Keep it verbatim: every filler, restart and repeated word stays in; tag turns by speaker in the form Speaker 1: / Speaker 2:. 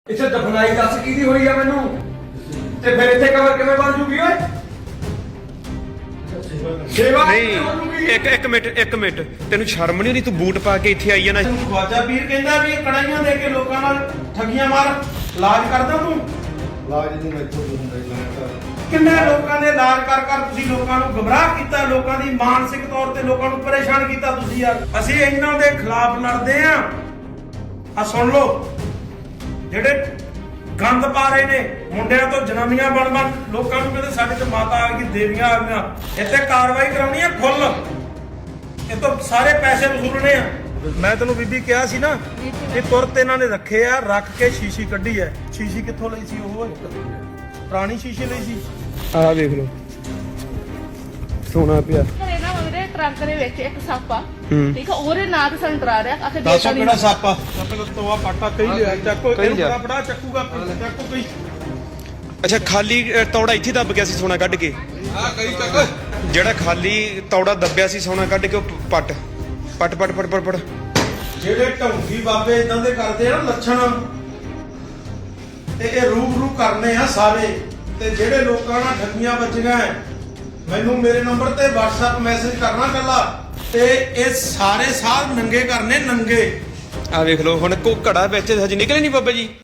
Speaker 1: ਇੱਥੇ ਦਫਨਾਈ ਦੱਸ ਕਿਹਦੀ ਹੋਈ ਆ ਮੈਨੂੰ ਤੇ ਫਿਰ ਇੱਥੇ ਕਬਰ ਕਿਵੇਂ ਬਣ ਜੂਗੀ ਓਏ? ਸੇਵਾ
Speaker 2: ਨਹੀਂ ਇੱਕ ਇੱਕ ਮਿੰਟ ਇੱਕ ਮਿੰਟ ਤੈਨੂੰ ਸ਼ਰਮ ਨਹੀਂ ਆਉਂਦੀ? ਤੂੰ ਬੂਟ ਪਾ ਕੇ ਇੱਥੇ ਆਈ ਆ ਨਾ।
Speaker 3: ਖਵਾਜਾ ਪੀਰ ਕਹਿੰਦਾ ਵੀ ਇਹ ਕੜਾਈਆਂ ਦੇ ਕੇ ਲੋਕਾਂ ਨਾਲ ਠੱਗੀਆਂ ਮਾਰ ਇਲਾਜ ਕਰਦਾ ਤੂੰ।
Speaker 4: ਲਾਜ ਨੂੰ ਮੈਥੋਂ ਹੁੰਦਾ ਇਲਾਜ
Speaker 3: ਕਿੰਨੇ ਲੋਕਾਂ ਦੇ ਇਲਾਜ ਕਰ ਕਰ ਤੁਸੀਂ ਲੋਕਾਂ ਨੂੰ ਗੁੰਮਰਾਹ ਕੀਤਾ, ਲੋਕਾਂ ਦੀ ਮਾਨਸਿਕ ਤੌਰ ਤੇ ਲੋਕਾਂ ਨੂੰ ਪਰੇਸ਼ਾਨ ਕੀਤਾ ਤੁਸੀਂ ਯਾਰ। ਅਸੀਂ ਇਹਨਾਂ ਦੇ ਖਿਲਾਫ ਲੜਦੇ ਆ। ਆ ਸੁਣ ਲਓ, ਜਿਹੜੇ ਗੰਦ ਪਾ ਰਹੇ ਨੇ ਮੁੰਡਿਆਂ ਤੋਂ ਜਨਾਨੀਆਂ ਬਣ ਬਣ ਲੋਕਾਂ ਨੂੰ ਕਹਿੰਦੇ ਸਾਡੇ ਤੇ ਮਾਤਾ ਆ ਗਈ, ਦੇਵੀਆਂ ਆ ਗਈਆਂ। ਇੱਥੇ ਕਾਰਵਾਈ ਕਰਾਉਣੀ ਆ ਫੁੱਲ, ਇਹ ਤੋਂ ਸਾਰੇ ਪੈਸੇ ਵਸੂਲਣੇ ਆ। ਮੈਂ ਤੈਨੂੰ ਬੀਬੀ ਕਿਹਾ ਸੀ ਨਾ ਕਿ ਤੁਰਤ ਇਹਨਾਂ ਨੇ ਰੱਖੇ ਆ, ਰੱਖ ਕੇ ਸ਼ੀਸ਼ੀ ਕੱਢੀ ਐ। ਸ਼ੀਸ਼ੀ ਕਿੱਥੋਂ ਲਈ ਸੀ? ਉਹ ਪੁਰਾਣੀ ਸ਼ੀਸ਼ੀ ਲਈ ਸੀ।
Speaker 2: ਆਹ ਵੇਖ ਲਓ ਸੋਨਾ ਪਿਆ।
Speaker 5: ਘਰੇ ਨਾ ਮੇਰੇ ਟਰੰਕ ਦੇ ਵਿੱਚ ਇੱਕ ਸੱਪ ਆ,
Speaker 2: ਹੂੰ।
Speaker 5: ਠੀਕ ਆ, ਉਹਦੇ ਨਾਂ ਤੇ ਸਾਨੂੰ ਡਰਾ ਰਿਹਾ। ਆਖੇ
Speaker 3: ਦੱਸੋ
Speaker 5: ਦੇਤਾ
Speaker 3: ਕਿਹੜਾ ਸੱਪ ਆ? ਸੱਪ ਤੋਆ ਪਾਟਾ ਕਹੀ ਲਿਆ, ਚੱਕੋ
Speaker 2: ਕਹੀ
Speaker 3: ਇਹਨੂੰ
Speaker 2: ਲਿਆ।
Speaker 3: ਬੜਾ ਬੜਾ ਚੱਕੂਗਾ, ਚੱਕੋ ਕੋਈ।
Speaker 2: ਅੱਛਾ ਖਾਲੀ ਅ, ਤੌੜਾ ਇੱਥੇ ਦੱਬ ਗਿਆ ਸੀ ਸੋਨਾ ਕੱਢ ਕੇ।
Speaker 4: ਆ ਕਈ ਚੱਕ
Speaker 2: ਜਿਹੜਾ ਖਾਲੀ ਤੌੜਾ ਦੱਬਿਆ ਸੀ ਸੋਨਾ ਕੱਢ ਕੇ ਉਹ ਪੱਟ ਪੱਟ ਪੱਟ ਪੱਟ ਪੱਟ ਪੱਟ।
Speaker 3: ਜਿਹੜੇ ਢੌਂਗੀ ਬਾਬੇ ਇਦਾਂ ਦੇ ਕਰਦੇ ਆ ਨਾ ਲੱਛਣ, ਤੇ ਇਹ ਰੂਬਰੂ ਕਰਨੇ ਆ ਸਾਰੇ। ਤੇ ਜਿਹੜੇ ਲੋਕਾਂ ਨਾਲ ਠੱਗੀਆਂ ਵੱਜੀਆਂ ਐ, ਮੈਨੂੰ ਮੇਰੇ ਨੰਬਰ ਤੇ WhatsApp ਮੈਸੇਜ ਕਰਨਾ ਕੱਲਾ, ਤੇ ਇਹ ਸਾਰੇ ਸਾਧ ਨੰਗੇ ਕਰਨੇ ਨੰਗੇ।
Speaker 2: ਆਹ ਵੇਖ ਲਓ ਹੁਣ ਕੋ ਘੜਾ ਵਿੱਚ ਹਜੇ ਨਿਕਲੇ ਨਹੀਂ ਬਾਬਾ ਜੀ।